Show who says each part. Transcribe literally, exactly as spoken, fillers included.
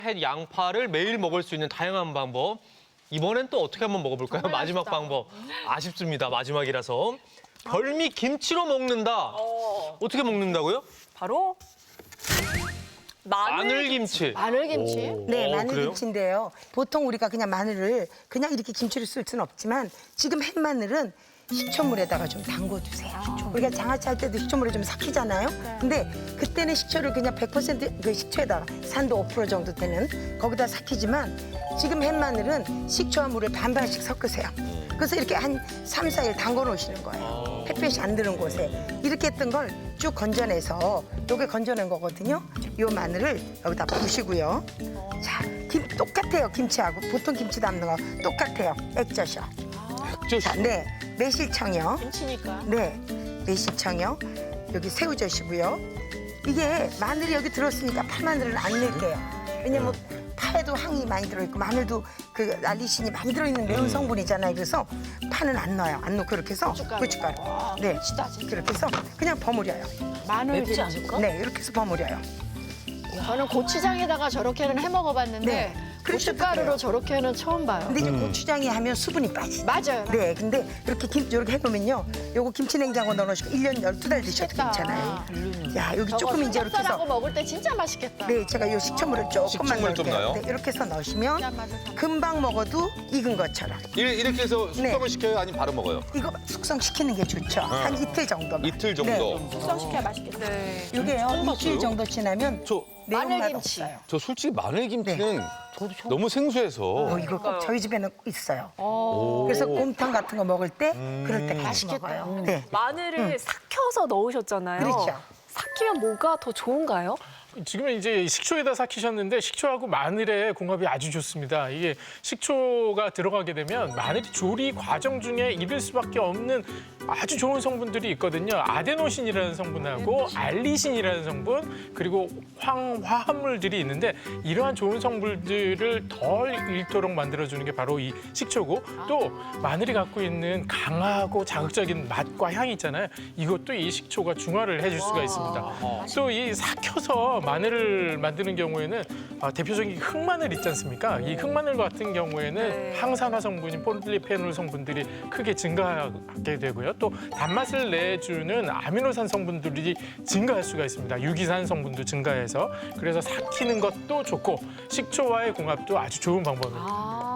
Speaker 1: 햇 양파를 매일 먹을 수 있는 다양한 방법. 이번엔 또 어떻게 한번 먹어볼까요? 마지막
Speaker 2: 맛있다.
Speaker 1: 방법. 아쉽습니다. 마지막이라서. 별미 김치로 먹는다.
Speaker 2: 어.
Speaker 1: 어떻게 먹는다고요?
Speaker 2: 바로 마늘.
Speaker 1: 마늘김치.
Speaker 3: 마늘김치?
Speaker 4: 네,
Speaker 1: 어,
Speaker 4: 마늘김치인데요. 보통 우리가 그냥 마늘을 그냥 이렇게 김치를 쓸 수는 없지만 지금 햇마늘은 식초물에다가 좀 담궈주세요. 우리가 장아찌 할 때도 식초물에 좀 삭히잖아요. 근데 그때는 식초를 그냥 백 퍼센트 그 식초에다가 산도 오 퍼센트 정도 되는 거기다 삭히지만 지금 햇마늘은 식초와 물을 반반씩 섞으세요. 그래서 이렇게 한 삼, 사 일 담궈 놓으시는 거예요. 햇볕이 안 드는 곳에. 이렇게 했던 걸 쭉 건져내서 요게 건져낸 거거든요. 요 마늘을 여기다 부시고요. 자, 김 똑같아요. 김치하고 보통 김치 담는 거 똑같아요. 액젓이요. 자, 네, 매실청이요.
Speaker 2: 김치니까.
Speaker 4: 네, 매실청이요. 여기 새우젓이고요. 이게 마늘이 여기 들었으니까 파마늘은 안 넣을게요. 왜냐면 파에도 항이 많이 들어있고 마늘도 그 알리신이 많이 들어있는 매운 성분이잖아요. 그래서 파는 안 넣어요. 안 넣고 그렇게 해서
Speaker 2: 고춧가루.
Speaker 4: 고춧가루. 네,
Speaker 2: 진짜, 진짜.
Speaker 4: 그렇게 해서 그냥 버무려요.
Speaker 3: 마늘
Speaker 2: 맵지 않을까?
Speaker 4: 네, 이렇게 해서 버무려요.
Speaker 2: 저는 고추장에다가 저렇게는 해 먹어봤는데
Speaker 4: 네. 그러셔도
Speaker 2: 고춧가루로
Speaker 4: 돼요.
Speaker 2: 저렇게는 처음 봐요.
Speaker 4: 근데 이제 고추장이 하면 수분이 빠지죠.
Speaker 2: 맞아요.
Speaker 4: 네, 근데 이렇게 김 이렇게 해놓으면요, 요거 김치 냉장고 넣어놓으시고 일 년 열두 달 드셔도
Speaker 2: 맛있겠다.
Speaker 4: 괜찮아요. 야, 여기
Speaker 2: 저거
Speaker 4: 조금 이제 이렇게
Speaker 2: 삼겹살하고
Speaker 4: 해서
Speaker 2: 먹을 때 진짜 맛있겠다.
Speaker 4: 네, 제가 요 식초물을 조금만
Speaker 5: 식초물 좀
Speaker 4: 넣을게요.
Speaker 5: 넣어요?
Speaker 4: 네, 이렇게 해서 넣으시면
Speaker 2: 짠 맛을 다
Speaker 4: 금방 먹어도 익은 것처럼.
Speaker 5: 이- 이렇게 해서 숙성을
Speaker 4: 네.
Speaker 5: 시켜요? 아니면 바로 먹어요?
Speaker 4: 이거 숙성시키는 게 좋죠. 한 이틀 정도만.
Speaker 5: 이틀 정도.
Speaker 2: 숙성시켜야 맛있겠다. 네.
Speaker 4: 네. 이게요, 일주일 정도 지나면
Speaker 5: 저,
Speaker 4: 매운맛
Speaker 2: 마늘김치.
Speaker 4: 없어요.
Speaker 5: 저 솔직히 마늘김치는 너무 생소해서.
Speaker 4: 어, 이거 꼭 저희 집에는 있어요.
Speaker 2: 어.
Speaker 4: 그래서 곰탕 같은 거 먹을 때 그럴 때 같이
Speaker 2: 맛있겠다.
Speaker 4: 먹어요. 네,
Speaker 6: 마늘을 삭혀서 넣으셨잖아요.
Speaker 4: 그렇죠.
Speaker 6: 삭히면 뭐가 더 좋은가요?
Speaker 7: 지금은 이제 식초에다 삭히셨는데 식초하고 마늘의 궁합이 아주 좋습니다. 이게 식초가 들어가게 되면 마늘이 조리 과정 중에 잃을 수밖에 없는 아주 좋은 성분들이 있거든요. 아데노신이라는 성분하고 알리신이라는 성분 그리고 황화합물들이 있는데 이러한 좋은 성분들을 덜 잃도록 만들어주는 게 바로 이 식초고 또 마늘이 갖고 있는 강하고 자극적인 맛과 향이 있잖아요. 이것도 이 식초가 중화를 해줄 수가 있습니다. 또 이 삭혀서 마늘을 만드는 경우에는 아, 대표적인 흑마늘 있지 않습니까? 이 흑마늘 같은 경우에는
Speaker 6: 네.
Speaker 7: 항산화 성분인 폴리페놀 성분들이 크게 증가하게 되고요. 또 단맛을 내주는 아미노산 성분들이 증가할 수가 있습니다. 유기산 성분도 증가해서 그래서 삭히는 것도 좋고 식초와의 궁합도 아주 좋은 방법입니다.
Speaker 6: 아,